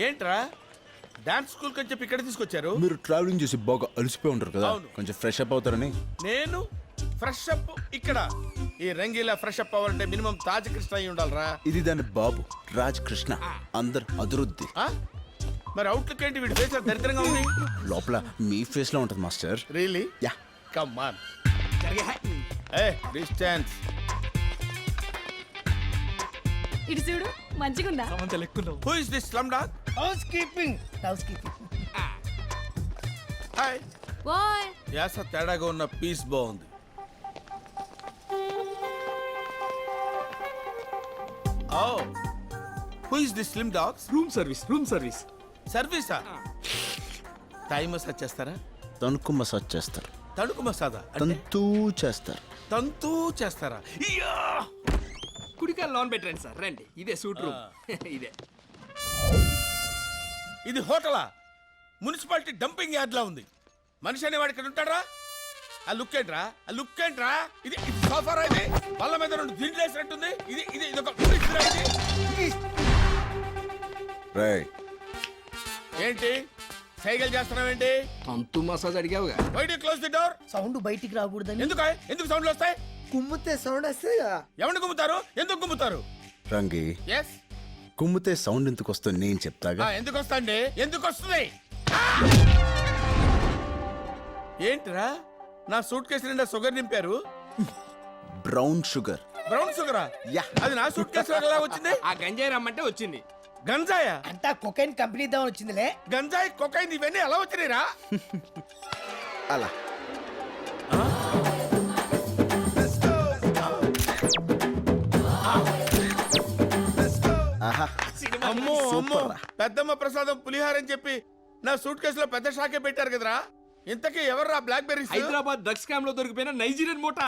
ఏంట్రా dance school అని చెప్పి ఇక్కడ తీసుకొచ్చారు? మీరు ట్రావెలింగ్ చేసి బాగా అలసిపోయి ఉంటారు కదా, కొంచెం ఫ్రెష్ అప్ అవుతారని. నేను ఫ్రెష్ అప్ ఇక్కడ? ఈ రంగీలా ఫ్రెష్ అప్ అవ్వాలంటే మినిమం తాజ్ కృష్ణ అయి ఉండాలరా. ఇది దాని బాబు రాజ్ కృష్ణ, అందరు అదురుద్ది. మరి అవుట్లుక్ ఏంటి? వీడి ఫేస్ దరిద్రంగా ఉంది. లోపల మీ ఫేస్ లో ఉంటుంది master. Really? Yeah. Come on. Distance. ఇటు చూడు, మంచిగుందా? Who is this slum dog? Housekeeping. Hi. ఓయ్ యాస తేడాగా ఉన్న పీస్ బాగుంది. ఓ, who is this slim dogs? Room service. సర్వీసా? థాయ్ మసాజ్ చేస్తారా? తణుకు మసాజ్ చేస్తారు. తణుకు మసాజా? తంతూ చేస్తారు. తంతూ చేస్తారా? కుడికాయలు లోన్ పెట్టండి సార్, రండి. ఇదే సూట్ రూమ్. ఇదే. ఇది హోటలా? మున్సిపాలిటీ డంపింగ్ యార్డ్ లా ఉంది. మనిషి అనేవాడు ఇక్కడ ఉంటాడా? ఆ లుక్ ఏంట్రా? ఆ లుక్ ఏంట్రా? ఇది సోఫారా? ఇది వాళ్ళ మీద రెండు దిండ్లు వేసినట్టుంది. ఇది ఇది ఇది ఒక రేయ్, ఏంటి సైకిల్ చేస్తున్నావేంటి? తంతు మసాజ్ అడిగావుగా. Why do close the door? Sound బయటికి రాకూడదని. ఎందుకు సౌండ్లు వస్తాయి? కుమ్మితే సౌండ్ వస్తాయి. ఎవరిని గుమ్ముతారు? ఎందుకు గుమ్ముతారు? రంగి, ఎస్. కుమ్మితే సౌండ్ ఎందుకు వస్తుంది నేను చెప్తాగా. ఎందుకు వస్తాండి? ఎందుకు వస్తుంది? ఏంటిరా నా సూట్ కేసు నిండా షుగర్ నింపారు? Brown sugar. బ్రౌన్ షుగరా? యా. అది నా సూట్ కేసు ఎలా వచ్చింది? ఆ గంజాయి రమ్మంటే వచ్చింది. గంజాయా? అంతా కొకైన్ కంపెనీ దా వచ్చిందిలే. గంజాయి కొకైన్ ఇవన్నీ ఎలా వచ్చినాయిరా? అలా అమ్మో అమ్మో, పెద్దమ్మ ప్రసాదం పులిహార అని చెప్పి నా సూట్ కేసులో పెద్ద షాకే పెట్టారు కదరా. ఇంతకీ ఎవర్రా blackberries? Hyderabad drugs scam లో దొరికిపోయిన నైజీరియన్ మూట.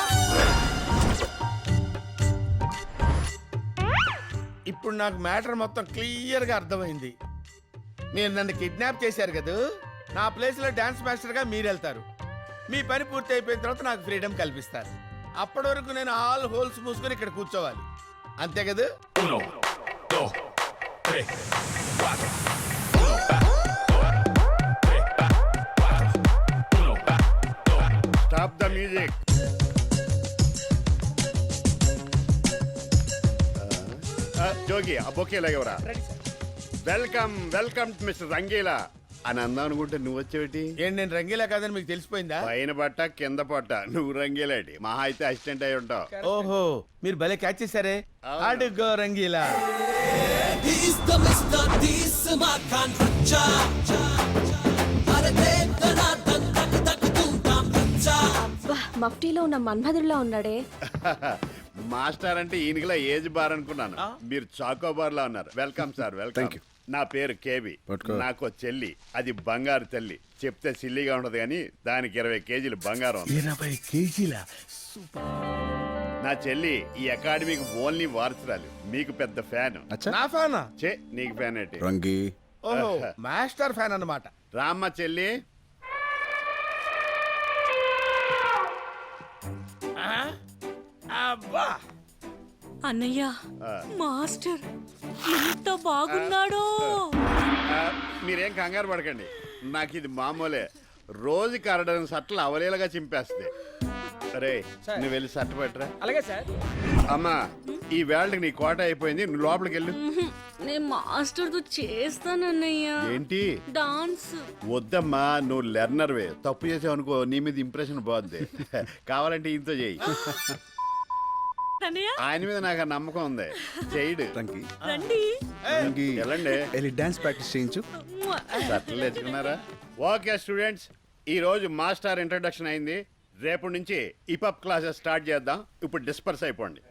ఇప్పుడు నాకు మ్యాటర్ మొత్తం క్లియర్ గా అర్థమైంది. మీరు నన్ను కిడ్నాప్ చేశారు కదా, నా ప్లేస్ లో డాన్స్ మాస్టర్ గా మీరు వెళ్తారు. మీ పని పూర్తి అయిపోయిన తర్వాత నాకు ఫ్రీడమ్ కల్పిస్తారు. అప్పటి వరకు నేను ఆల్ హోల్స్ మూసుకొని ఇక్కడ కూర్చోవాలి, అంతే కదా? Stop the music. జోగి ఆ బొకే లాగేవరా. వెల్కమ్ మిస్టర్ రంగీలా అని అందాం అనుకుంటే నువ్వు వచ్చేటి? ఏంటి నేను రంగీలా కాదని మీకు తెలిసిపోయిందా? పైన పట్ట కింద పట్ట నువ్వు రంగీలాటి, మహా అయితే అసిస్టెంట్ అయి ఉంటావు. ఓహో, మీరు భలే క్యాచ్ చేశారే. అడుగో రంగీలా. మఫ్టీలో ఉన్న మన్మధుడిలా ఉన్నాడే. మాస్టర్ అంటే ఈయనకిలా ఏజ్ బార్ అనుకున్నాను, మీరు చాకోబార్ లా ఉన్నారు. Welcome sir, welcome. నా పేరు కేబి. నాకు చెల్లి, అది బంగారు తల్లి. చెప్తే సిల్లిగా ఉండదు కానీ దానికి 20 కేజీలు బంగారం. 20 కేజీల? నా చెల్లి ఈ అకాడమీకి ఓన్లీ వారసురాలు. మీకు పెద్ద ఫ్యాన్. నా ఫ్యానా? చే నీకు ఫ్యాన్ ఏంటి? రంగి. ఓహో, మాస్టర్ ఫ్యాన్ అన్నమాట. రామ్మ చెల్లి. అబ్బా అన్నయ్య, మాస్టర్ ఎంత బాగున్నాడో. మీరేం కంగారు పడకండి, నాకు ఇది మామూలే. రోజుకి 6 సట్లు అవలేలుగా చింపేస్తే. అరే నువ్వు వెళ్ళి సట్టు పట్టరా. అలాగే సార్. అమ్మా, ఈ వేళకి నీ కోట అయిపోయింది, నువ్వు లోపలికి వెళ్ళు. నేను మాస్టర్ తో చేస్తానన్నయ్య. ఏంటి? డాన్స్. వద్దమ్మా, నువ్వు లెర్నర్వే. తప్పు చేసావు అనుకో, నీ మీద ఇంప్రెషన్ బాగుంది. కావాలంటే ఇంతో చెయ్యి. ఆయన మీద నాకు నమ్మకం ఉంది, చేయడు. రండి వెళ్ళండి, వెళ్ళి డాన్స్ ప్రాక్టీస్ చేయించు. సట్లు తెచ్చుకున్నారా? ఓకే స్టూడెంట్స్, ఈ రోజు మాస్టర్ ఇంట్రడక్షన్ అయింది. రేపటి నుంచి ఇపప్ క్లాసెస్ స్టార్ట్ చేద్దాం. ఇప్పుడు డిస్పర్స్ అయిపోండి.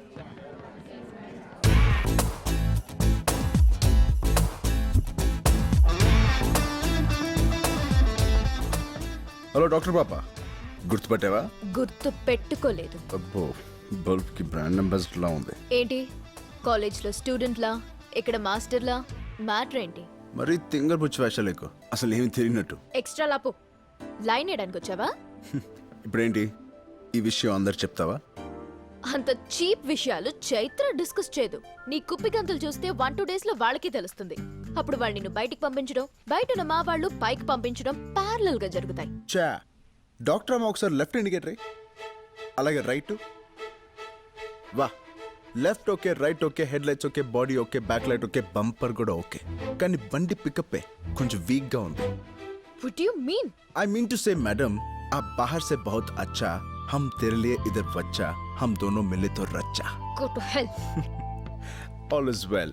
హలో డాక్టర్ పాప, గుర్తుపట్టావా? గుర్తు పెట్టుకోలేదు. అబ్బో, బల్బ్ కి బ్రాండ్ అంబాసిడర్ లా ఉంది. ఏంటి కాలేజ్లో స్టూడెంట్లా, ఇక్కడ మాస్టర్లా? మ్యాటర్ ఏంటి? మరి తింగర్ బుచ్చి వేషాలేకు అసలు ఏమి తెలియనట్టు. ఎక్స్ట్రా లాపు లైన్ వేయడానికి వచ్చావా? ఇప్పుడేంటి ఈ విషయం అందరు చెప్తావా? అంత చీప్ విషయాలు చైత్ర డిస్కస్ చేయదు. నీ కుప్పి గంతులు చూస్తే 1-2 days లో వాళ్ళకి తెలుస్తుంది. అప్పుడు వాళ్ళు నిన్ను బయటికి పంపించడం, బయట ఉన్న మా వాళ్ళు పైకి పంపించడం ప్యారలల్ గా జరుగుతాయి. చా డాక్టర్ అమ్మ ఒకసారి లెఫ్ట్ ఇండికేటర్ అలాగే రైట్. వా left okay, right okay, head lights okay, body okay, back light okay, bumper కూడా ఓకే. కానీ బండి పికప్ కొంచెం వీక్ గా ఉంది. What do you mean? I mean to say, madam, आप बाहर से बहुत अच्छा, हम तेरे लिए इधर बच्चा, हम दोनों मिले तो रच्चा. Go to hell. All is well.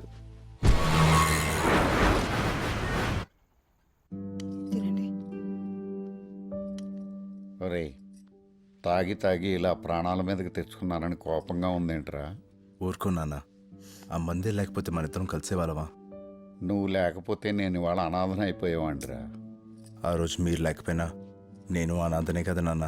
ఒరేయ్ తాగి తాగి ఇలా ప్రాణాల మీదకి తెచ్చుకున్నానని కోపంగా ఉందేంట్రా? ఊరుకో నాన్న, ఆ మందే లేకపోతే మన ఇద్దరం కలిసే వాళ్ళమా? నువ్వు లేకపోతే నేను ఇవాళ అనాథన అయిపోయేవాడిరా. ఆ రోజు మీరు లేకపోయినా నేను అనాథనే కదా నాన్న.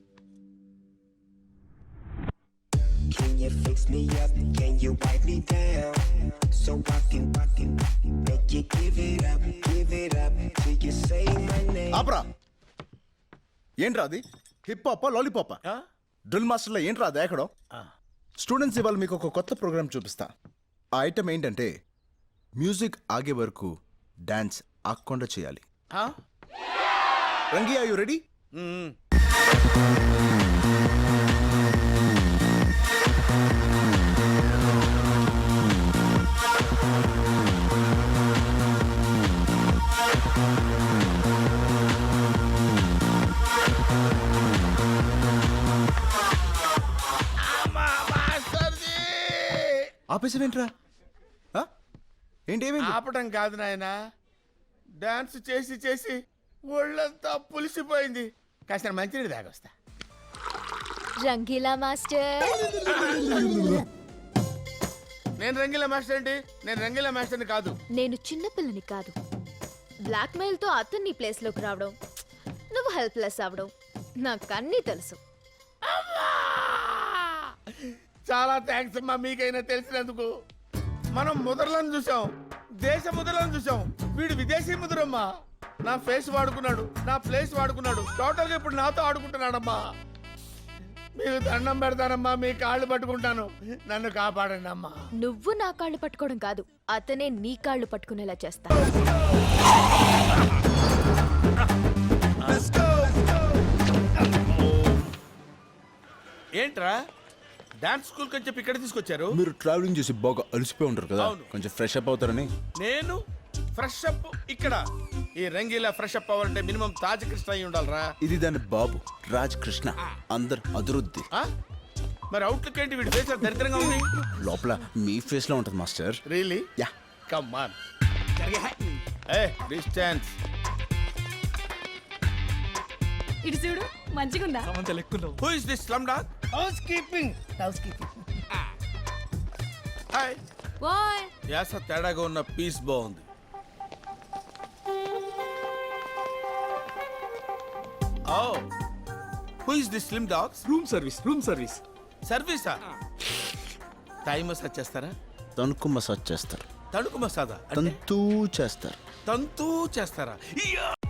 Can you fix me up? Can you wipe me down? So I can make you give it up till you say my name. ఆపరా! ఏంట్రా అది? హిప్ హాపా లాలీపాపా? డ్రిల్ మాస్టర్లో ఏంట్రా అది ఎక్కడో? స్టూడెంట్స్ ఇవాళ మీకు ఒక కొత్త ప్రోగ్రామ్ చూపిస్తా. ఆ ఐటమ్ ఏంటంటే మ్యూజిక్ ఆగే వరకు డాన్స్ ఆగకుండా చేయాలి. Rangi, are you ready? ఆపేసావేంట్రా? ఏంటి ఏమైంది? ఆపటం కాదు నాయన, డాన్స్ చేసి చేసి ఒళ్ళంతా పులిసిపోయింది. కాస్త మంచినీళ్ళు తాగొస్తా. రంగీలా మాస్టర్. నేను రంగీలా మాస్టర్ ఏంటి? నేను రంగీలా మాస్టర్ని కాదు. నేను చిన్నపిల్లని కాదు. బ్లాక్ మెయిల్ తో అతన్ని ప్లేస్ లోకి రావడం, నువ్వు హెల్ప్లెస్ అవడం నాకు అన్నీ తెలుసు. చాలా థ్యాంక్స్ అమ్మా, మీకైనా తెలిసినందుకు. మనం ముద్రలను చూసాం, దేశ ముద్రలను చూసాం. వీడు విదేశీ ముద్రమ్మా. నా ఫేస్ వాడుకున్నాడు, నా ప్లేస్ వాడుకున్నాడు. టోటల్ గా ఇప్పుడు నాతో ఆడుకుంటున్నాడమ్మా. మీకు దండం పెడతానమ్మా, మీ కాళ్ళు పట్టుకుంటాను, నన్ను కాపాడండి అమ్మా. నువ్వు నా కాళ్ళు పట్టుకోవడం కాదు, అతనే నీ కాళ్ళు పట్టుకునేలా చేస్తా. ఏంట్రా డాన్స్ స్కూల్ అని చెప్పి ఇక్కడ తీసుకొచ్చారు? మీరు ట్రావెలింగ్ చేసి బాగా అలసిపోయి ఉంటారు కదా, అవును. కొంచెం ఫ్రెష్ అప్ అవుతారని. నేను ఫ్రెష్ అప్ ఇక్కడ? ఈ రంగీలా ఫ్రెష్ అప్ అవ్వాలంటే మినిమం తాజ్ కృష్ణ అయి ఉండాలరా. ఇది దాని బాబు రాజ్ కృష్ణ, అందరు అదురుద్ది. ఆ? మరి అవుట్లుక్ ఏంటి? వీడి ఫేస్ దరిద్రంగా ఉంది. లోపల మీ ఫేస్ లో ఉంటుంది master. Really? Yeah. Come on. A distance. ఇటు చూడు మంచిగుందా? Who is this slum dog? Housekeeping. Hi. ఓయ్ యాస తేడాగా ఉన్న పీస్ బాగుంది. ఓ, who is this slim dogs? Room service. సర్వీసా? టైం మసాజ్ చేస్తారా? తణుకు మసాజ్ చేస్తారు, తణుకు మసాజా? తంతూ చేస్తారు. తంతూ చేస్తారా?